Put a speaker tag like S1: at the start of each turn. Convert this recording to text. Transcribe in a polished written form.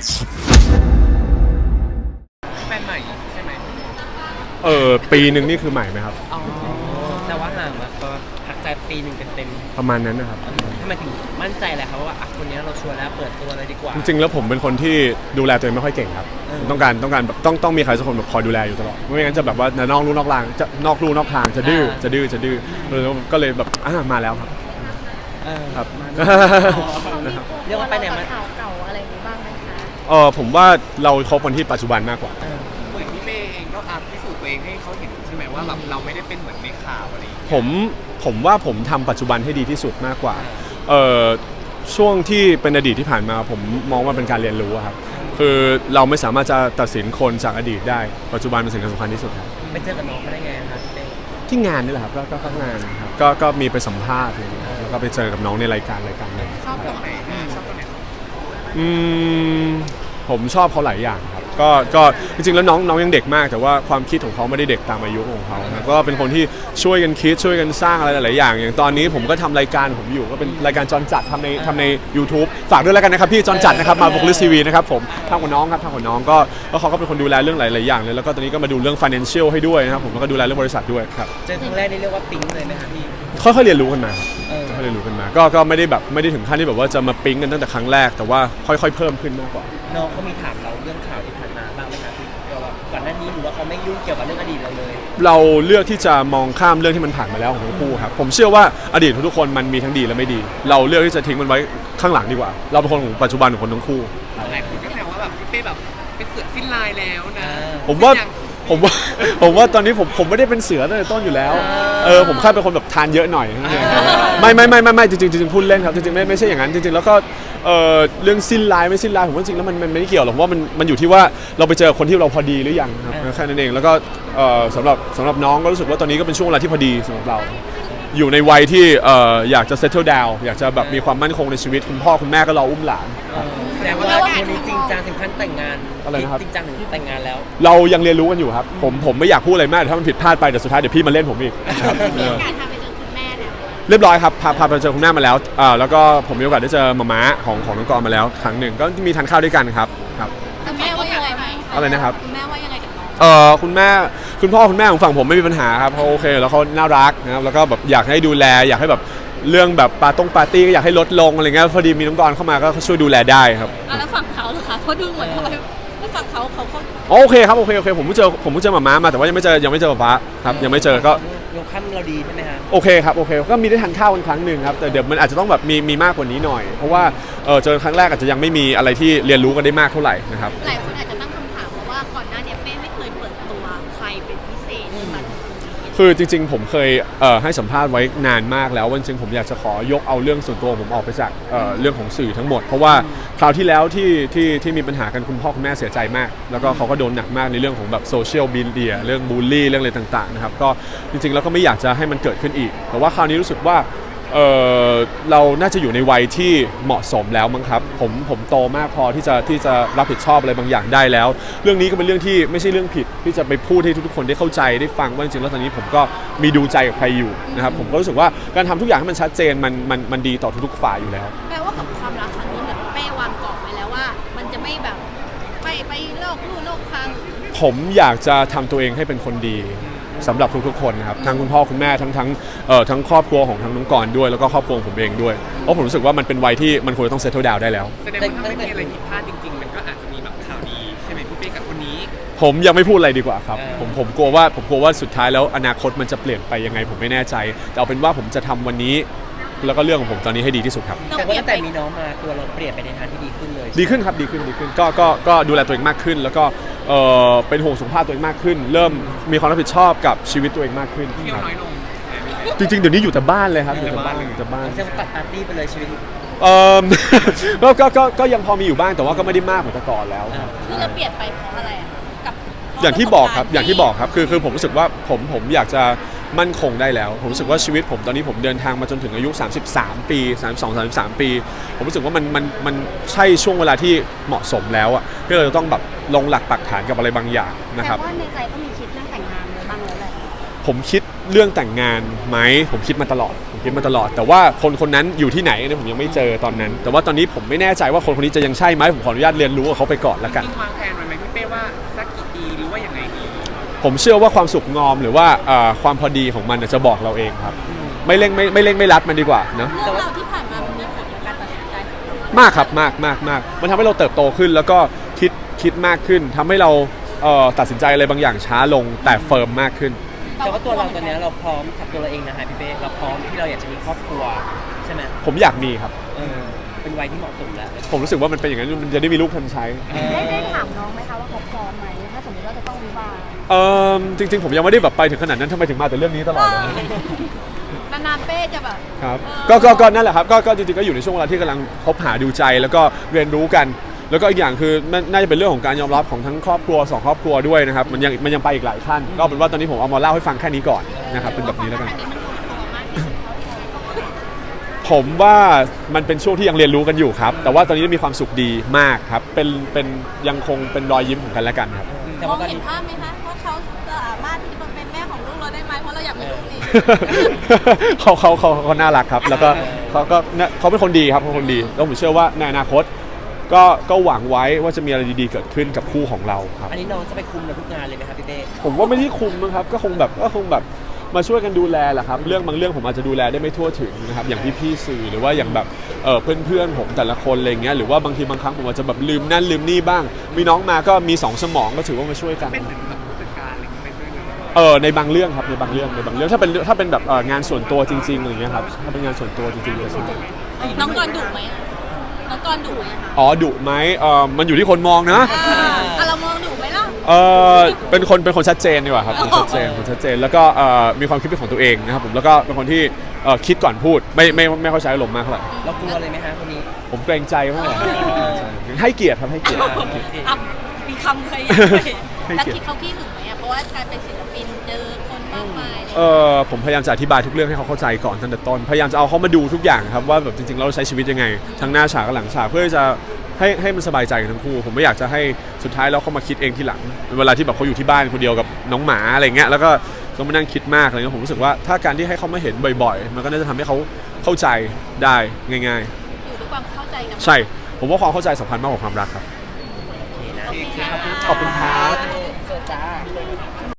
S1: แฟนใหม่ใช่ไหม
S2: ปีหนึ่งนี่คือใหม่ไหมครับ
S1: อ๋อแต่ว่าห่างมาก็พักใจปีหนึ่งเต็ม
S2: ประมาณนั้นนะครับ
S1: ทำไมถึงมั่นใจแหละครับว่าคนนี้เราชวนแล้วเปิดตัวเลยดีกว่า
S2: จริงๆแล้วผมเป็นคนที่ดูแลตัวเองไม่ค่อยเก่งครับต้องการแบบต้องมีใครสักคนแบบคอยดูแลอยู่ตลอดไม่งั้นจะแบบว่านอกลู่นอกทางจะดื้อก็เลยแบบมาแล้วครับครับ
S1: เรียกว่าไปไหนมา
S3: ข่าวเก่าอะไรอย่างนี้บ้างไหมคะ
S2: ผมว่าเราคบคนที่ปัจจุบันมากกว่า
S1: เหมือนพี่เมย์เองก็พิสูจน์ตัวเองให้เขาเห็นใช่ไหมว่าแบบเราไม่ได้เป็นเหมือนในข่าวอะไร
S2: ผมว่าผมทำปัจจุบันให้ดีที่สุดมากกว่าช่วงที่เป็นอดีตที่ผ่านมาผมมองว่าเป็นการเรียนรู้ครับคือเราไม่สามารถจะตัดสินคนจากอดีตได้ปัจจุบันเป็นสิ่งสำคัญที่สุดครับ
S1: ไปเจอกับน้องเขาได้ไงครับ
S2: ที่งานนี่แหละครับก็งานครับก็มีไปสัมภาษณ์แล้วก็ไปเจอกับน้องในรายการหนึ่ง
S1: ชอบตรงไหนชอบตรงไหน
S2: ผมชอบเขาหลายอย่างครับก็จริงๆแล้วน้องยังเด็กมากแต่ว่าความคิดของเขาไม่ได้เด็กตามอายุของเขานะก็เป็นคนที่ช่วยกันคิดช่วยกันสร้างอะไรหลายๆอย่างอย่างตอนนี้ผมก็ทำรายการผมอยู่ก็เป็นรายการจรจัดทำใน YouTube ฝากด้วยแล้วกันนะครับพี่จรจัดนะครับมาVocalist TVนะครับผมทำกับน้องครับก็เขาก็เป็นคนดูแลเรื่องหลายๆอย่างเลยแล้วก็ตอนนี้ก็มาดูเรื่อง financial ให้ด้วยนะครับผมแล้วก็ดูแลเรื่องบริษัทด้วยครับ
S1: เจอครั้งแรกนี่เรียกว่าปิ๊งเลยไหมครับพี่
S2: ค่อยๆเรียนรู้กันมาค่อยๆเรียนรู้กันมาก็ไม่ได้ถึงขั้นที่แบบว่าจะมาปิ๊งกันตั้งแต่ครั้งแรกแต่ว่าค่อยๆเพิ่มขึ้นมากกว่า
S1: น้องเขามีถามเราเรื่องข่าวที่ผ่านมาบ้างไหมครับพี่ก่อนหน้านี้หรือว่าเขาไม่ยุ่งเกี่ยวกับเรื่องอดีตเราเลย
S2: เราเลือกที่จะมองข้ามเรื่องที่มันผ่านมาแล้วของทั้งคู่ครับผมเชื่อว่าอดีตทุกคนมันมีทั้งดีและไม่ดีเราเลือกที่จะทิ้งมันไว้ข้างหลังดีกว่าเราเป็นคนของปัจจุบันของคนทั้งคู่
S1: หลายคนก็แซวว่าแบบพี่เป้แบบเป็นเสือสิ้นลายแล้วนะ
S2: ผมว่าตอนนี้ผมไม่ได้เป็นเสือตั้งแต่ต้นอยู่แล้วผมแค่เป็นคนแบบทานเยอะหน่อยไม่จริงพูดเล่นครับจริงๆไม่ใช่อย่างนั้นจริงๆแล้วก็เรื่องสิ้นลายไม่สิ้นลายผมว่าจริงแล้วมันไม่เกี่ยวหรอกว่ามันอยู่ที่ว่าเราไปเจอคนที่เราพอดีหรือยังครับแค่นั้นเองแล้วก็สำหรับน้องก็รู้สึกว่าตอนนี้ก็เป็นช่วงเวลาที่พอดีสำหรับเราอยู่ในวัยที่อยากจะ settle down อยากจะแบบมีความมั่นคงในชีวิตคุณพ่อคุณแม่ก็รออุ้มหลาน
S1: แต่ว่าคนนี้จริงจังถึงขั้นแต่งงาน
S2: อะไรนะครับ
S1: จริงจังถึงแต่งงานแล้ว
S2: เรายังเรียนรู้กันอยู่ครับผมไม่อยากพูดอะไรมากถ้ามันผิดพลาดไปแต่สุดท้ายเดี๋ยวพี่มาเล่นผมอีก
S3: การพาไปเจอคุณแม่เนี่ย
S2: เรียบร้อยครับพาไปเจอคุณแม่มาแล้วแล้วก็ผมมีโอกาสได้เจอมาม่าของน้องกรมาแล้วครั้งหนึ่งก็มีทานข้าวด้วยกันครับ
S3: คุณแม่ว่ายังไง
S2: อะไรนะครับ
S3: คุณแม่ว่ายังไงกับน้อง
S2: คุณพ่อคุณแม่ของฝั่งผมไม่มีปัญหาครับเขาโอเคแล้วเขาน่ารักนะครับแล้วก็แบบอยากให้ดูแลอยากให้แบบเรื่องแบบปาร์ตี้ก็อยากให้ลดลงอะไรเงี้ยพอดีมีน้องกรเข้ามาก็ช่วยดูแลได้ครับ
S3: แล้วฝั่งเขาเหรอคะเพราะดูเหมือนทำไมแล้วฝั่งเขา
S2: โอเคครับโอเคผมเพิ่งเจอมาม่ามาแต่ว่ายังไม่เจอป๊าครับยังไม่เจอก็
S1: ยกขั้นเราดีใช่ไหมฮะ
S2: โอเคครับโอเคก็มีได้ทานข้าวกันครั้งหนึ่งครับแต่เดี๋ยวมันอาจจะต้องแบบมีมากกว่านี้หน่อยเพราะว่าเจอครั้งแรกอาจจะยังไม่มีอะไรที่เรียนรู้กันได้มากเท่าไหร่นะครับ
S3: หลายคนอาจจะตั้งคำถามว่าก่อนหน้านี้เป้ไม่เคยเปิดตัวใครเป็นพิเศษมา
S2: คือจริงๆผมเคยให้สัมภาษณ์ไว้นานมากแล้วว่าจริงๆผมอยากจะขอยกเอาเรื่องส่วนตัวผมออกไปจากเรื่องของสื่อทั้งหมดเพราะว่าคราวที่แล้วที่มีปัญหากันคุณพ่อคุณแม่เสียใจมากแล้วก็เขาก็โดนหนักมากในเรื่องของแบบโซเชียลมีเดียเรื่องบูลลี่เรื่องอะไรต่างๆนะครับก็จริงๆแล้วก็ไม่อยากจะให้มันเกิดขึ้นอีกแต่ว่าคราวนี้รู้สึกว่าเราน่าจะอยู่ในวัยที่เหมาะสมแล้วมั้งครับผมโตมากพอที่จะรับผิดชอบอะไรบางอย่างได้แล้วเรื่องนี้ก็เป็นเรื่องที่ไม่ใช่เรื่องผิดที่จะไปพูดให้ทุกคนได้เข้าใจได้ฟังว่าจริงๆแล้วตอนนี้ผมก็มีดูใจกับใครอยู่นะครับผมก็รู้สึกว่าการทำทุกอย่างให้มันชัดเจนมันดีต่อทุกๆฝ่ายอยู่แล้ว
S3: แปลว่ากับความรักครั้งนี้เหมือนเป้วางกรอบไว้แล้วว่ามันจะไม่แบบไปโลกลู่โลกทาง
S2: ผมอยากจะทำตัวเองให้เป็นคนดีสำหรับทุกๆคนนะครับทั้งคุณพ่อคุณแม่ทั้งครอบครัวของทั้งน้องกรด้วยแล้วก็ครอบครัวผมเองด้วยเพราะผมรู้สึกว่ามันเป็นวัยที่มันควรต้องเซตเทิลดาวน์ได้แล้ว
S1: แสดงว่าถ้าไม่มีอะไรผิดพลาดจริงๆมันก็อาจจะมีแบบข่าวดีใช่ไหมพี่เป้กับคนนี้
S2: ผมยังไม่พูดอะไรดีกว่าครับผมกลัวว่าสุดท้ายแล้วอนาคตมันจะเปลี่ยนไปยังไงผมไม่แน่ใจแต่เอาเป็นว่าผมจะทำวันนี้แล้วก็เรื่องของผมตอนนี้ให้ดีที่สุดครับ
S1: แต่ว่าตั้งแต่มีน้องมาตัวเราเปลี่ยนไปในทางที่ดีขึ้นเลย
S2: ดีขึ้นครับดีขึ้นก็ดูแลตัวเองมากขึ้นแล้วก็เป็นห่วงสุขภาพตัวเองมากขึ้นเริ่มมีความรับผิดชอบกับชีวิตตัวเองมากขึ้น
S1: เที่ยวน้อยลง
S2: จริงๆเดี๋ยวนี้อยู่แต่บ้านเลยครับ
S1: อยู่แต่บ้าน
S3: เ
S1: จะตัดปาร์ตี้ไปเลยชีวิต
S2: ก็ยังพอมีอยู่บ้างแต่ว่าก็ไม่ได้มากเหมือนแต่ก่อนแล้ว
S3: คือเราเปลี่ยนไปเพราะอะไรกับ
S2: อย่างที่บอกครับคือผมรู้สึกว่าผมอยากจะมั่นคงได้แล้วผมรู้สึกว่าชีวิตผมตอนนี้ผมเดินทางมาจนถึงอายุ33ปี32-33ปีผมรู้สึกว่ามันใช่ช่วงเวลาที่เหมาะสมแล้วอ่ะก็เลยต้องแบบลงหลักปักฐานกับอะไรบางอย่างนะครับ
S3: แต่ว่าในใจก็มีคิดเรื่องแต่งงานบ้างแล้วแหละ
S2: ผมคิดเรื่องแต่งงานไหมผมคิดมาตลอดแต่ว่าคนนั้นอยู่ที่ไหนเนี่ยผมยังไม่เจอตอนนั้น แต่ว่าตอนนี้ผมไม่แน่ใจว่าคนคนนี้จะยังใช่ไหมผมขออนุญาตเรียนรู้กับเขาไปก่อนละกัน
S4: จริงวางแผนไว้ไหมพี่เป้ว่าสักกี่ปีหรือว่าอย่างไรดี
S2: ผมเชื่อว่าความสุขงอมหรือว่าความพอดีของมันจะบอกเราเองครับไม่เร่งไม่รัดมันดีกว่านะ
S3: เรื่องราวที่ผ่านมามันมีผลกับการตัดสินใจของเรา
S2: มากครับมากมันทำให้เราเติบโตขึ้นแล้วก็คิดมากขึ้นทำให้เราตัดสินใจอะไรบางอย่างช้าลงแต่เฟิร์มมากขึ้น
S1: แต่ว่าตัวเราตอนนี้เราพร้อมกับตัวเราเองนะฮะพี่เป้เราพร้อมที่เราอยากจะมีครอบครัวใช่ไหม
S2: ผมอยากมีครับ
S1: เป็นวัยที่เหมาะสมแล้ว
S2: ผมรู้สึกว่ามันเป็นอย่างนั้นมันจะได้มีลูกทันใช้
S5: ได้ถามน้องไหมคะว่าเขาพร้อมไหมถ้าสมมติว่าจะต้องวิวาห์
S2: จริงๆผมยังไม่ได้แบบไปถึงขนาดนั้นทำไมถึงมาแต่เรื่องนี้ตลอดเลย
S3: นานๆเป้จะแบบ
S2: ครับก็นั่นแหละครับก็จริงๆก็อยู่ในช่วงเวลาที่กำลังคบหาดูใจแล้วก็เรียนรู้กัน แล้วก็อีกอย่างคือน่าจะเป็นเรื่องของการยอมรับของทั้งครอบครัว2ครอบครัวด้วยนะครับมันยังไปอีกหลายขั้นก็เป็นว่าตอนนี้ผมเอามาเล่าให้ฟังแค่นี้ก่อนนะครับเป็นแบบนี้แล้วกัน
S3: อันนี้มันลงตัวมากที่สุดเท่าที่เรา
S2: ผมว่ามันเป็นช่วงที่ยังเรียนรู้กันอยู่ครับแต่ว่าตอนนี้มีความสุขดีมากครับเป็นยังคงเป็นรอยยิ้มของกันและกันครับ
S1: แต่
S3: มอ
S1: ว่าง ตอน
S3: เห็น
S1: นี้
S3: ภาพไหมคะว่าเขาสามารถที่จะมาเป็นแม่ของลูกเราได้ไหมเพราะเราอยากมีลูกนี่
S2: เขาน่ารักครับแล้วก็เขาเป็นคนดีครับเขาเป็นคนดีแล้วผมเชื่อว่าในอนาคตก็หวังไว้ว่าจะมีอะไรดีๆเกิดขึ้นกับคู่ของเราครับ
S1: อันนี้น้องจะไปคุมเราทุกงานเลยไหมครับพี่เป้
S2: ผมว่าไม่ได้คุมนะครับก็คงแบบมาช่วยกันดูแลแหละครับเรื่องบางเรื่องผมอาจจะดูแลได้ไม่ทั่วถึงนะครับอย่างพี่ๆสื่อหรือว่าอย่างแบบเพื่อนๆผมแต่ละคนอะไรเงี้ยหรือว่าบางทีบางครั้งผมอาจจะแบบลืมนั่นลืมนี่บ้างมีน้องมาก็มี2สมองก็ถือว่ามาช่วยกัน
S4: เป็นถึงแบบผู้จัดการอะไรอย่างเงี้ยเป็นด้วยหรือเปล่า
S2: ในบางเรื่องครับในบางเรื่องถ้าเป็นแบบงานส่วนตัวจริงๆอะไรเงี้ยครับถ้าเป็นงานส่วนตัวจริงๆจะใช่
S3: น้องกรดุไหมอะน้องกรดุไหมคะ
S2: อ๋อดุไหมมันอยู่ที่คนมองนะ
S3: เรามองดุไหมล่ะ
S2: เป็นคนชัดเจนดีกว่าครับคนชัดเจนแล้วก็มีความคิดเป็นของตัวเองนะครับผมแล้วก็เป็นคนที่คิดก่อนพูดไม่ค่อยใช้อารมณ์มากเท่าไหร่
S1: เรากลัวเลยไหมฮะคนนี้
S2: ผมเกรงใจมากให้เกียรติครับให้เกียรติ
S3: อ่ะมีคำเคยแล้วคิดเขาขี้หึงไหมอ่ะเพราะว่าการเป็นศิลปินเจอคนมากมายเลย
S2: ผมพยายามจะอธิบายทุกเรื่องให้เขาเข้าใจก่อนตั้งแต่ต้นพยายามจะเอาเขามาดูทุกอย่างครับว่าแบบจริงๆเราใช้ชีวิตยังไงทั้งหน้าฉากกับหลังฉากเพื่อจะให้มันสบายใจกันทั้งคู่ผมไม่อยากจะให้สุดท้ายแล้วเขามาคิดเองทีหลังเวลาที่แบบเขาอยู่ที่บ้านคนเดียวกับน้องหมาอะไรเงี้ยแล้วก็ต้องมานั่งคิดมากอะไรเงี้ยผมรู้สึกว่าถ้าการที่ให้เขามาเห็นบ่อยๆมันก็น่าจะทำให้เขาเข้าใจได้ง่าย
S3: อยู่ด้วยความเข้าใจกัน
S2: ๆ ใช่ผมว่าความเข้าใจสำคัญมากกว่าความรักครับ
S1: โอเคนะ
S2: ขอบคุณครับ
S1: เจอจ้า